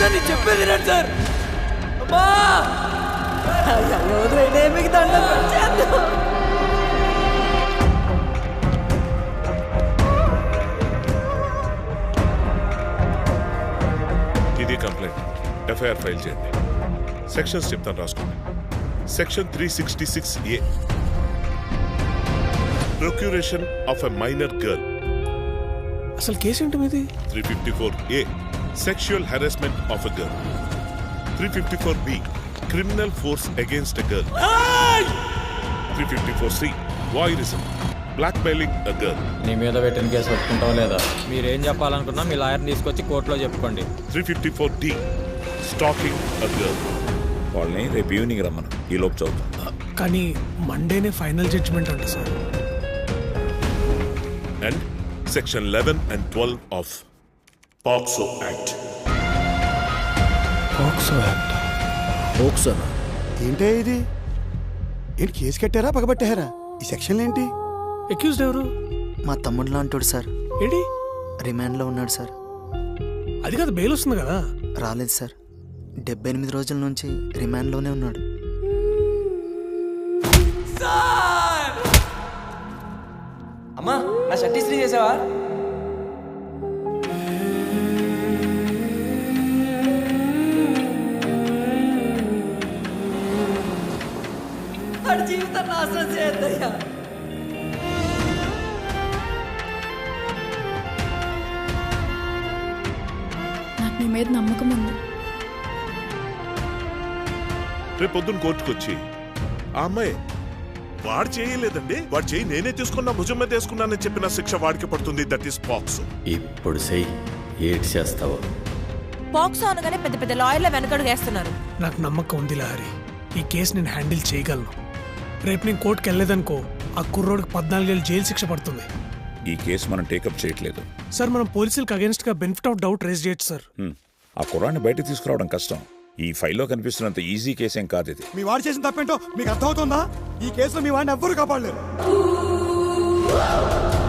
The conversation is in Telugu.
నేను చెప్పేది రండి సార్. అమ్మా మీకు దండం చేద్దాం. ఇది కంప్లైంట్. ఎఫ్ఐఆర్ ఫైల్ చేయండి. సెక్షన్స్ చెప్తాను రాసుకోండి. Section 366A procuration of a minor girl. అసలు కేసు ఏంటి మీది? 354A sexual harassment of a girl. 354B criminal force against a girl. 354C voyeurism blackmailing a girl. నీ మీద పెట్టిన కేసు పెట్టుకుంటాం లేదా? మీరేం చెప్పాలనుకున్నా మీ లాయర్ని తీసుకొచ్చి కోర్టులో చెప్పుకోండి. 354D stacking a girl. వాళ్ళని రేపు ఈవినింగ్ రమ్మను, ఈ లోపు చదువుతాం. కానీ మండేనే ఫైనల్ జడ్జిమెంట్ అంట సార్. And section 11 and 12 of POCSO act. పోక్సోనా? ఏంటే ఇది? ఏంటి కేసు కట్టారా పగబట్టారా? ఈ సెక్షన్లు ఏంటి? అక్యూజ్డ్ ఎవరు? మా తమ్ముడు లాంటోడు సార్. ఏంటి? రిమాండ్లో ఉన్నాడు సార్. అది కాదు, బెయిల్ వస్తుంది కదా. రాలేదు సార్. 78 రోజుల నుంచి రిమాండ్లోనే ఉన్నాడు. అమ్మా నా షర్ట్ ఇస్త్రీ చేసావా? వాడి జీవితం నాశనం చేయద్దయ్యా. నాకు నీ మీద నమ్మకం ఉంది. రేపు పొద్దున్న కోర్టుకొచ్చి ఆ అమ్మాయి వాడు చేయలేదండి, వాడు చేయి నేనే తీసుకున్నా, భుజం మీద వేసుకున్నానని చెప్పిన శిక్ష వాడికి పడుతుంది. That is POCSO. ఇప్పుడు చెయ్యి, ఏడ్ చేస్తావు. పాక్సో అనగానే పెద్ద పెద్ద లాయర్ల వెనకడుగు వేస్తున్నారు. నాకు నమ్మకం ఉంది లహరి, ఈ కేసు నేను హ్యాండిల్ చేయగలను. రేపు నేను కోర్టుకు వెళ్ళలేదనుకో, ఆ కుర్రోడికి 14 ఏళ్ళు జైలు శిక్ష పడుతుంది. ఈ కేసు మనం టేకప్ చేయట్లేదు సార్. మనం పోలీసులకు అగేన్స్ట్ గా బెనిఫిట్ ఆఫ్ డౌట్ రేజ్ చేయొచ్చు సార్. ఆ కుర్రాన్ని బయటకు తీసుకురావడం కష్టం. ఈ ఫైల్లో కనిపిస్తున్నంత ఈజీ కేసేం కాదు ఇది. మీ వాడు చేసిన తప్పేంటో మీకు అర్థమవుతుందా? ఈ కేసులో మీ వాడిని ఎవ్వరూ కాపాడలేరు.